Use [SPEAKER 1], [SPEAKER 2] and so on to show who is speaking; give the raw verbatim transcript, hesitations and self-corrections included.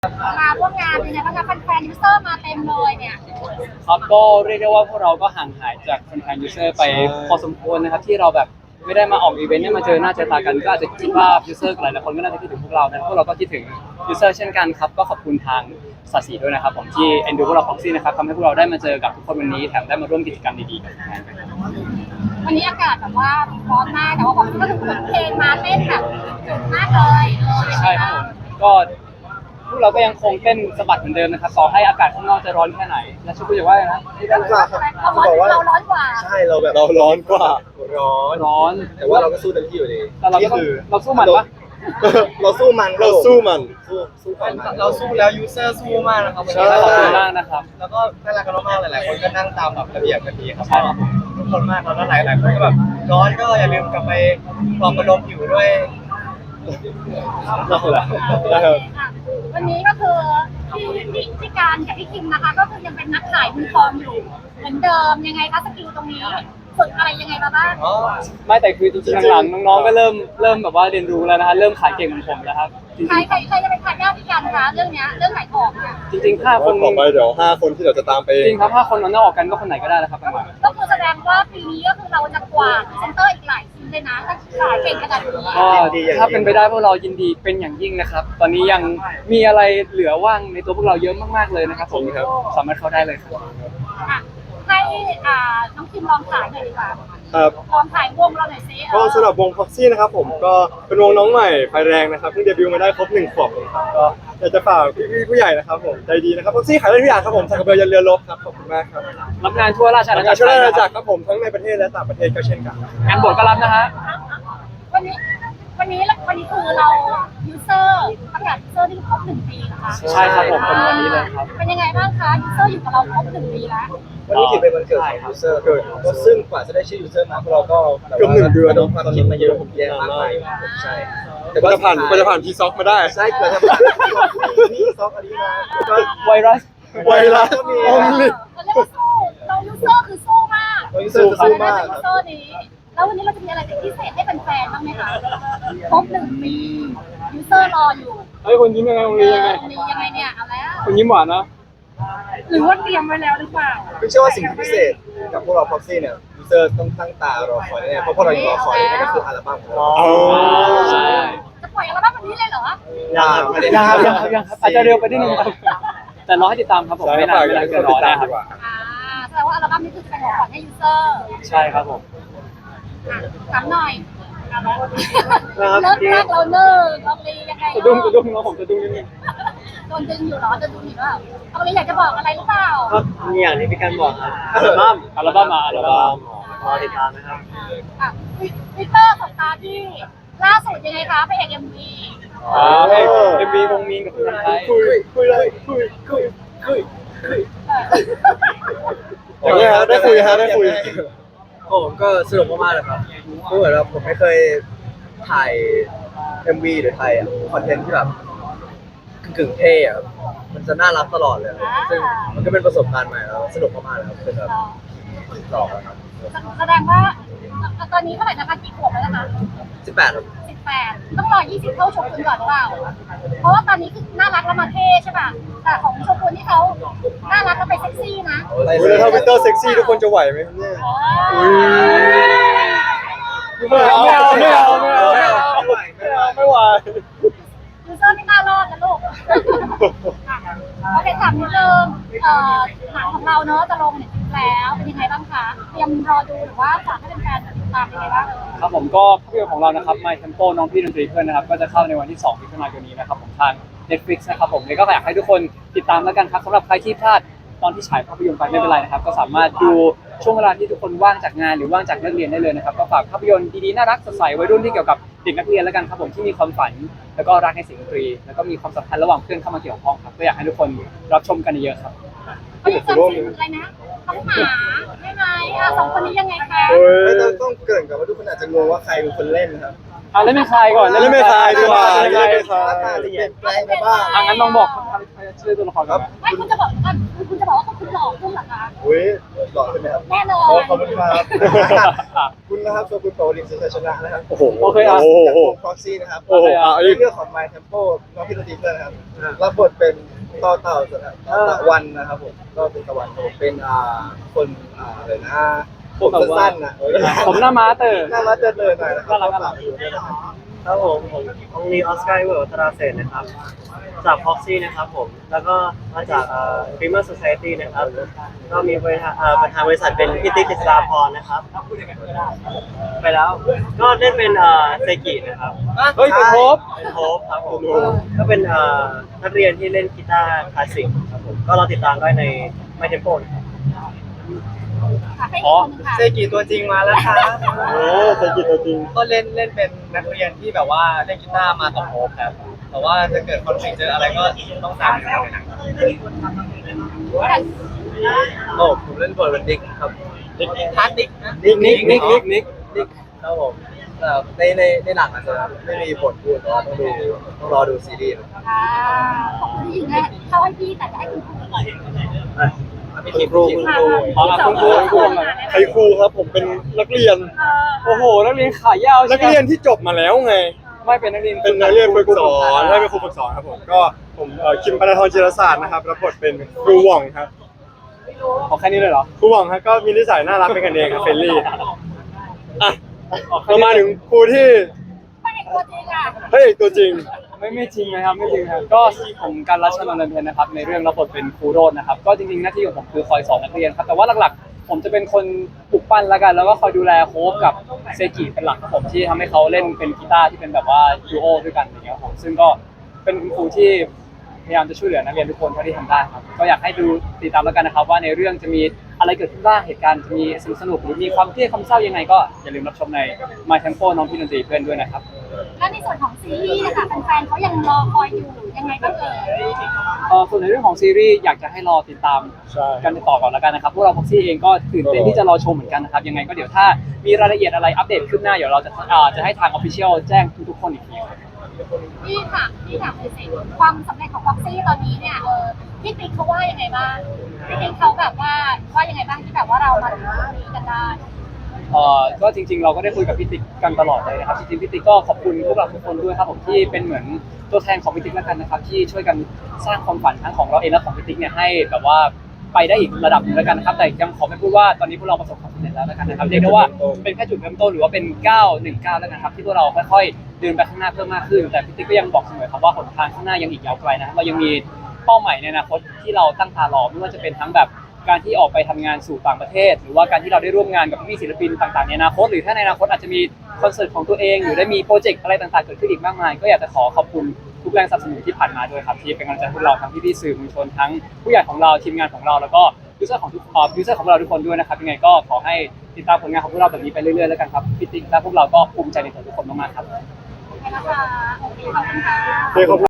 [SPEAKER 1] มาร่วมงานเป็นไงบ้างคะแฟนๆยูเซอร์มาเต็มเลยเนี่ย
[SPEAKER 2] ครับก็เรียกได้ว่าพวกเราก็ห่างหายจากแฟนๆยูเซอร์ไปพอสมควรนะครับที่เราแบบไม่ได้มาออกอีเวนต์เนี่ยมาเจอหน้าเจอตากันก็อาจจะคิดว่ายูเซอร์หลายๆคนก็น่าจะคิดถึงพวกเรานะพวกเราก็คิดถึงยูเซอร์เช่นกันครับก็ขอบคุณทางสาสีด้วยนะครับผมที่เอ็นดูพวกเราพ็อกซี่นะครับทำให้พวกเราได้มาเจอกับทุกคนวันนี้แถมได้มาร่วมกิจกรรมดีๆกับแฟนๆ
[SPEAKER 1] วันนี้อากาศแบบว่าร้อนมากแต่ว่าผมก็ถึงเปิดเพลงมาเต้นแบบจุดมากเลยเออ
[SPEAKER 2] ใช่ครับผมก็พวกเราก็ยังคงเต้นสะบัดเหมือนเดิมนะครับต่อให้อากาศข้างนอกจะร้อนแค่ไหนและชุกุจะว่าไงนะ
[SPEAKER 1] เราร้อนเราร้อนกว่า
[SPEAKER 3] ใช่เราแบบ
[SPEAKER 4] เราร้อนกว่า
[SPEAKER 3] ร้อน
[SPEAKER 2] ร้อน
[SPEAKER 3] แต่ว่าเราก็สู้เต็มที่อยู่ดี
[SPEAKER 2] แต่เราก็ต้องเราสู้มันปะ
[SPEAKER 3] เราสู้มัน
[SPEAKER 4] เราสู้มัน
[SPEAKER 3] สู้สู้มัน
[SPEAKER 5] เราสู้แล้วยูเซอร์สู้มากนะครับวัน
[SPEAKER 4] ใช่
[SPEAKER 5] นี้
[SPEAKER 2] ขอบคุณมากนะครับ
[SPEAKER 5] แล้วก็น่ารักกันมากๆหลายๆคนก็นั่งตามแบบระเบียบกันดีครับ
[SPEAKER 2] ใช่ครับ
[SPEAKER 5] ทุกคนมากแล้วก็หลายๆคนก็แบบร้อนก็อย่าลืมกลับไปปลอบประโลมผิวด้วย
[SPEAKER 2] เราเหรอ
[SPEAKER 1] วันนี้ก็คือพี่พี่พี่การกับพี่คิมนะคะ ก็คือยังเป็นนักขายมือทองอยู่เหมือนเดิมยังไงคะสกิลตรงนี้ฝึกอะไรยังไงมาบ้าง
[SPEAKER 5] อ๋อ
[SPEAKER 2] ไม่แต่คือจริงๆหลังๆน้องๆก็เริ่มเริ่มแบบว่าเรียนรู้แล้วนะฮะเริ่มขายเก่งเหมือนผมแล้วครับจริง
[SPEAKER 1] ใครใครใครจะเป็นทายาทพี่การคะเรื่องเนี้ยเรื่องขายของเนี่ย
[SPEAKER 2] ๆจริงๆห้าคน
[SPEAKER 4] ต่อไปเดี๋ยวห้าคนที่เดี๋ยวจะตามไป
[SPEAKER 2] จริงครับห้าคนนั้นออกกันก็คนไหนก็ได้แล้วครับประมาณ
[SPEAKER 1] ก็คือแสดงว่าปีนี้ก็คือเราจะกวาดเซนเตอร์อีกหลายทีมเลยนะถ้าขายเก่งขนาดนี้
[SPEAKER 2] ก็ถ้าเป็นไปได้พวกเรายินดีเป็นอย่างยิ่งนะครับ ตอนนี้ยังมีอะไรเหลือว่างในตัวพวกเราเยอะมากๆเลยนะครับผม
[SPEAKER 4] ครับ
[SPEAKER 2] สามารถเข้าได้เลยครับ
[SPEAKER 1] อ่ะให้อ่าน้องคิมลองขายหน่อยดีกว่า
[SPEAKER 4] ครับ
[SPEAKER 1] ลองขายวงเราหน่อยสิเอ
[SPEAKER 4] ก็
[SPEAKER 1] อ
[SPEAKER 4] สำหรับวง Proxy นะครับผมก็เป็นวงน้องใหม่ไฟแรงนะครับเพิ่งเดบิวต์มาได้ครบหนึ่งขวบเองครับก็อยากจะฝากพี่ๆผู้ใหญ่นะครับผมใจดีนะครับ Proxy ขายได้ทุกอย่างครับผมสักกระเบือยันเรือรบครับขอบคุณมากครับ
[SPEAKER 2] รับงานทั่วราชอาณา
[SPEAKER 4] ทำ
[SPEAKER 2] จั
[SPEAKER 4] งาก น
[SPEAKER 2] ร
[SPEAKER 4] ช่วยราชอาณา
[SPEAKER 2] ไท
[SPEAKER 4] จั
[SPEAKER 2] ย
[SPEAKER 4] กรครับผมทั้งในประเทศและต่างประเทศก็เช่นกัน
[SPEAKER 2] งานบวชก็รับนะฮะ
[SPEAKER 1] วันนี้วันนี้วันนี้คือเรายูเซอร์ประกาศยูเซอร์ที่ครบหนึ่งปีนะคะ
[SPEAKER 2] ใช่ครับผมเป็นวันนี้เลยครับ
[SPEAKER 1] เป็นยังไงบ้างคะยูเซอร์อยู่กับเราครบหนึ่งปีแล้ว
[SPEAKER 3] วันนี้ถือเป็นวันเกิดของยูเซอร์ก็ซึ่งกว่าจะได้ชื่อยูเซอร์มาพวกเราก็
[SPEAKER 4] เกือบหนึ่งเดือน
[SPEAKER 3] โดนความคิดมาเยอะแยะมากมายใช่
[SPEAKER 4] แต่ก็จะผ่านก็จะผ่านพีซ็อกมาได้
[SPEAKER 3] ใช่เกิดทำผ่านนี่ซอกอันนี้มาก็
[SPEAKER 2] ไวรัส
[SPEAKER 4] ไวรัส
[SPEAKER 3] ก็มี
[SPEAKER 4] โอลิ
[SPEAKER 1] เราเรียกว่าสู้เรายูเซอร์คือสู้มาก
[SPEAKER 3] ยูเซอร์สู้มาก
[SPEAKER 1] ยูเซอร์นี้แล้ววันนี้เราจะมีอะไรพิเศษให้แฟนๆบ้างไหมคะครบหนึ่งปียูเซอร์รออยู่
[SPEAKER 2] เฮ้ยคุณยิ้มยังไงคุณ
[SPEAKER 1] เอ
[SPEAKER 2] ยิ้มยังไง
[SPEAKER 1] อมียังไงเนี่ยเอาแล้ว
[SPEAKER 2] คุณยิ้มหวานนะ
[SPEAKER 1] หรือว่าเตรียมไว้แล้วหรือเปล่า
[SPEAKER 3] ไม่เชื่อว่าสิ่งที่พิเศษกับพวกเรา Proxy เนี่ยยูเซอร์ต้องตั้งตารอคอยแน่ๆเพราะพวกเรายังรอคอยนั่นก็คืออัลบั้มของเรา
[SPEAKER 4] อ๋อ
[SPEAKER 2] ใช่
[SPEAKER 1] จะปล่อยอัลบั้มวันนี้เลยเหรอ
[SPEAKER 3] ยังไม่ได้
[SPEAKER 2] ยังครับยังครับยังครับอาจจะเร็วไปนิดนึงครับแต่รอให้ติดตามครับผม
[SPEAKER 4] ใช่
[SPEAKER 2] ไม่
[SPEAKER 4] ครั
[SPEAKER 2] นา
[SPEAKER 4] บ
[SPEAKER 2] นไม่นาน
[SPEAKER 4] อยาก
[SPEAKER 2] เกินร
[SPEAKER 4] ให้
[SPEAKER 2] อ
[SPEAKER 4] ติดตา
[SPEAKER 2] แน่
[SPEAKER 4] ม
[SPEAKER 2] ครับ
[SPEAKER 4] ดีกว่า
[SPEAKER 1] อ่าแสดงว่าอัลบั้มนี้คือจะเป็นของขวัญให้ยูเซอร์
[SPEAKER 2] ใช่ครับผม
[SPEAKER 1] อ่ะถามหน่อยเริ่มแรกเราเนิ่งเราเลยยังไง
[SPEAKER 2] สะดุ้งสะดุ้งน้องผมสะดุ้งนิดนึง
[SPEAKER 1] โดนดึงอยู่เหรอจะดูอยู่หรือเปล่าเราเลยอยากจะบอกอะไรหรือเปล่า
[SPEAKER 5] ก็มีอย่างที่พี่กันบอกครับ
[SPEAKER 2] อัลบั้มอัลบั้มมาอัลบั้ม
[SPEAKER 5] รอติดตามนะครับ
[SPEAKER 1] อ่ะวิเตอร์ของตาที่ล่าสุดยังไงคะไปเอกเอ็มวี
[SPEAKER 2] อ่าเอ็มวีวงมีนกับคุณไทย
[SPEAKER 4] คุยคุยเลยคุยคุยคุยคุยอย่างเงี้ยฮะได้คุยฮะได้คุย
[SPEAKER 5] ผมก็สนุกมากๆเลยครับก็เหมือนว่าผมไม่เคยถ่าย เอ็ม วี หรือถ่ายคอนเทนต์ที่แบบกึ่งๆเท่อะครับมันจะน่ารักตลอดเลยครับซึ่งมันก็เป็นประสบการณ์ใหม่แล้วสนุกมากๆเลยครับคือแบบหลอกแล้วครับ
[SPEAKER 1] แสดงว่าตอนนี้เท่าไหร่นะคะกี่ขวบแล้วนะคะ
[SPEAKER 5] สิบแปดครับ
[SPEAKER 1] สิบแปดต้องรอยี่สิบเข้าชมคุณก่อนหรือเปล่า เพราะว่าตอนนี้คือน่ารักแล้วมาเท่ใช่ป่ะแต่ของชมคุณที่เขาน่ารักแล้วไปเซ็กซี่นะ
[SPEAKER 4] เวลาถ้าวินเตอร์เซ็กซี่ทุกคนจะไหวไหมครับเนี่ย
[SPEAKER 2] ไม่เอาไม่เอาไม่เอาไม่เอาไม่เอา
[SPEAKER 4] ไม่ไหว
[SPEAKER 1] ยูเซอร์ไม่น่ารอดนะลูกโอเคถามนิดนึงเอ่อหนังของเราเนอะจะลงเน็ตฟลิกซ์แล้วเป็นยังไงบ้างคะเตรียมรอดูหรือว่าฝากให้แฟนๆติดตามยังไงบ้าง
[SPEAKER 2] ครับผมก็ภาพยนตร์ของเรานะครับ My Tempo น้องพี่ดนตรีเพื่อนนะครับก็จะเข้าในวันที่สองมิถุนายนนี้นะครับผมทาง Netflix นะครับผมเลยก็อยากให้ทุกคนติดตามแล้วกันครับสำหรับใครที่พลาดตอนที่ฉายภาพยนตร์ไปไม่เป็นไรนะครับก็สามารถดูช่วงเวลาที่ทุกคนว่างจากงานหรือว่างจากเลิกเรียนได้เลยนะครับก็ฝากภาพยนตร์ดีๆน่ารักสดใสวัยรุ่นที่เกี่ยวกับเด็กนักเรียนแล้วกันครับผมที่มีความฝันแล้วก็รักในเสียงดนตรีแล้วก็มีความสัมพันธ์ระหว่างเพื่อนเข้ามาเกี่ยวข้องครับก็อยากให้ทุกคนรับชมกันเยอะๆครับ
[SPEAKER 1] เขาจะจำชื่ออะไรนะต้องหาใช่ไหมอ่ะสองคนนี้ยังไงคะ
[SPEAKER 4] เฮ้
[SPEAKER 3] ไม่
[SPEAKER 4] ย
[SPEAKER 3] ต้องต้องเกริ่นก่อนว่าทุกคนอาจจะงงว่าใครเป็นคนเล่นครับ
[SPEAKER 2] อ่ะเล่นเป็นใครก่อน
[SPEAKER 4] เล่นเป็นใครดีกว่า
[SPEAKER 2] เล่นเป็นใคร
[SPEAKER 4] เล่นเป็นใคร
[SPEAKER 3] หน้าตาจะเปลี่ยนแปลงไปบ้าง
[SPEAKER 2] อ่ะงั้นลองบอกชื่อตัวละครก่อนไหม
[SPEAKER 1] ไม่คุณจะบอกว่าคุณจะบอกว่าคุณหลอกคุณเหรอคะ
[SPEAKER 3] อุ้ยหล่อใช่ไหมครับ
[SPEAKER 1] แน่นอ
[SPEAKER 3] โอ้
[SPEAKER 1] น
[SPEAKER 3] ขอบคุณครับ
[SPEAKER 2] อ่ะ
[SPEAKER 3] คุณนะครับโชกุนโปรลินสุชนะนะครับ
[SPEAKER 4] โอ้โห
[SPEAKER 2] โอเคอ่ะ
[SPEAKER 4] โอ้โห
[SPEAKER 3] จากวง Proxy นะครับ
[SPEAKER 4] โอ้โหอ่ะ
[SPEAKER 3] ในเรื่องของ My Tempo น้องพี่ดนตรีเพื่อนนะครับรับบทเป็นต่อเต่าสนะต่อตะวันนะครับผมก็เป็นตะวันผมเป็นอ่าคนอ่าอะไรนะผมสั้นๆนะเออ
[SPEAKER 2] ผมหน้าม้าเตอร์
[SPEAKER 3] หน้ามาเจริญหน่อยนะครั
[SPEAKER 2] น่ารักน่ารัก
[SPEAKER 6] ครับผมผมองลีออสการ์เวิร์ดตราเศษนะครับ จากพ็อกซี่นะครับผม แล้วก็มาจากเอ่อฟิเมอร์โซซายตี้นะครับ ก็มีบริษัทเอ่อประธานบริษัทเป็นพี่ติ๊กกฤษฎาพรนะครับ ไปแล้ว ก็เล่นเป็นเอ่อเซกินะครับ
[SPEAKER 2] เฮ้ยเป็นโฮป
[SPEAKER 6] เป็นโฮปครับผมก็เป็นเอ่อนักเรียนที่เล่นกีตาร์คลาสสิกครับผม ก็เราติดตามได้ใน My Tempo นะครับ
[SPEAKER 1] ค่ะให้อีกคนหนึงค่ะ
[SPEAKER 5] เซกิตัวจริงมาแล้วครับ
[SPEAKER 4] โอ้เซกิตัวจริง
[SPEAKER 5] ก็เล่นเล่นเป็นนักเรียนที่แบบว่าเล่นกีตาร์มากับโฮปครับ แต่ว่าจะเกิดคอนฟ lict เจออะไรก็ต้องตามอยู่ในหนังโอ้ผมเล่นบทเป็นดิกครับฮาร์ดดิกนะ
[SPEAKER 2] นิกนิกนิกนิกนิก
[SPEAKER 5] ดิกครับผมแต่ในในในหนังอาจจะไม่มีบทพูดแต่ว่าต้องดูต้องรอดูซีรีส์
[SPEAKER 1] อ่าของคุณหญิงเนี่ยเข้าให้พี่แต่จะให้คุณครูก่อน
[SPEAKER 5] อ่ะพี่คิมพี่คิม
[SPEAKER 1] ค่ะ
[SPEAKER 2] อ๋อคุณครูคุณครูหน่อย
[SPEAKER 4] ใครครูครับผมเป็นนักเรียน
[SPEAKER 1] เออ
[SPEAKER 2] โอ้โหนักเรียนขายาว
[SPEAKER 4] นั
[SPEAKER 2] ใช่
[SPEAKER 4] ก
[SPEAKER 2] ไหม
[SPEAKER 4] เรียนที่จบมาแล้วไง
[SPEAKER 2] ไม่เป็นนักเรียน
[SPEAKER 4] เป็นนักเรียนฝึกสอนได้เป็นครูฝึกสอนครับผมก็ผมเอ่อคิมปนทรจิรศาสตร์นะครับรับบทเป็นครูหว่องครับ
[SPEAKER 2] ขอแค่นี้เลยเหรอ
[SPEAKER 4] ครูหว่องครับก็มีนิสัยน่ารักเป็นกันเองครับเฟรนลี่อ่ะ
[SPEAKER 2] อ๋อแค่
[SPEAKER 4] เรา
[SPEAKER 2] นี้
[SPEAKER 4] มาถึงครูที่
[SPEAKER 1] ไม่เอกตัวจริงอ่ะ
[SPEAKER 4] พระเอกตัวจริง
[SPEAKER 2] ไม่ไม่จริงนะครับไม่จริงครับก็ผมการรัชนนท์เพ็ญนะครับในเรื่องรับบทเป็นครูโรจน์นะครับก็จริงๆหน้าที่ของผมคือคอยสอนนักเรียนครับแต่ว่าหลักๆ ผมจะเป็นคนปลุกปั้นแล้วกัน แล้วก็คอยดูแลโค้ชกับเซกิเป็นหลักครับผมที่ทำให้เขาเล่นเป็นกีตาร์ที่เป็นแบบว่าดูโอด้วยกันอย่างเงี้ยครับผมซึ่งก็เป็นคุณครูที่พยายามจะช่วยเหลือนักเรียนทุกคนเท่าที่ทำได้ครับก็อยากให้ดูติดตามแล้วกันนะครับว่าในเรื่องจะมีอะไรเกิดขึ้นบ้างเหตุการณ์จะมีสนุกสนุกหรือมีความเครียดความเศร้ายังไงก็อย่าลืมรับชมใน My Tempo น้องพี่ดนตรีเพื่อนด้วยนะครับ
[SPEAKER 1] แล้วในส่วนของซีรีส์นะคะแฟนๆเขายังรอคอยอยู่ยังไงบ้างเอ่ย
[SPEAKER 2] เอ่อส่วนในเรื่องของซีรีส์อยากจะให้รอติดตาม
[SPEAKER 4] ใช่
[SPEAKER 2] กันต่อก่อนแล้วกันนะครับพวกเราพ็อกซี่เองก็ตื่นเต้นที่จะรอชมเหมือนกันนะครับยังไงก็เดี๋ยวถ้ามีรายละเอียดอะไรอัปเดตขึ้นหน้าเดี๋ยวเราจะอ่าจะให้ทางออฟฟิเชียลแจ้งทุกๆคนอีกทีครับ
[SPEAKER 1] พี่ถามพี่ถามเลยสิความสำเร็จของฟ็อกซี่ตอนนี้เนี่ยเออพี่ติ๊กเขาว่ายังไงบ้างพี่ติ๊กเขาแบบว่าว่ายังไงบ้างที่แบบว่าเรามาถึงตรงนี้กันได้
[SPEAKER 2] เอ่อก็จริงๆเราก็ได้คุยกับพี่ติ๊กกันตลอดเลยนะครับจริงๆพี่ติ๊กก็ขอบคุณพวกเราทุกคนด้วยครับผมที่เป็นเหมือนตัวแทนของพี่ติ๊กแล้วกันนะครับที่ช่วยกันสร้างความฝันทั้งของเราเองและของพี่ติ๊กเนี่ยให้แบบว่าไปได้อีกระดับหนึงแล้วกันนะครับแต่ยังขอไม่พูดว่าตอนนี้พวกเราประสบความสำเร็จแล้วแล้วกันนะครับเรียกได้ว่าเป็นแค่จุดเริ่มต้นหรือว่าเป็นก้าวหนึ่งก้าวแล้วกันครับที่พวกเราค่อยๆเดินไปข้างหน้าเพิ่มมากขึ้นแต่พี่ติ๊กก็ยังบอกเสมอครับว่าหนทางข้างหน้ายังอีกยาวไกลนะครับเรายังมีเป้าหมายในอนาคตที่เราตั้งตารอไม่ว่าจะเป็นทั้งแบบการที่ออกไปทำงานสู่ต่างประเทศ หรือว่าการที่เราได้ร่วมงานกับพี่ศิลปินต่างๆในอนาคตหรือถ้าในอนาคตอาจจะมีคอนเสิร์ตของตัวเองหรือได้มีโปรเจกต์อะไรต่างๆเกิดขึ้นอีกมากมายก็อยากจะขอขอบคุณทุกแรงสนับสนุนที่ผ่านมาด้วยครับที่เป็นกำลังใจให้พวกเราทั้งพี่ๆสื่อมวลชนทั้งผู้ใหญ่ของเราทีมงานของเราแล้วก็ยูเซอร์ของทุกเอ่อยูเซอร์ของเราทุกคนด้วยนะครับยังไงก็ขอให้ติดตามผลงานของพวกเราแบบนี้ไปเรื่อยๆแล้วกันครับพี่ติ๊กและพวกเราก็ภูมิใจในตัวทุกคนมากๆครับ
[SPEAKER 1] โอเคนะคะโอเคขอบคุณค่ะ
[SPEAKER 4] เฮ้ยขอบคุณ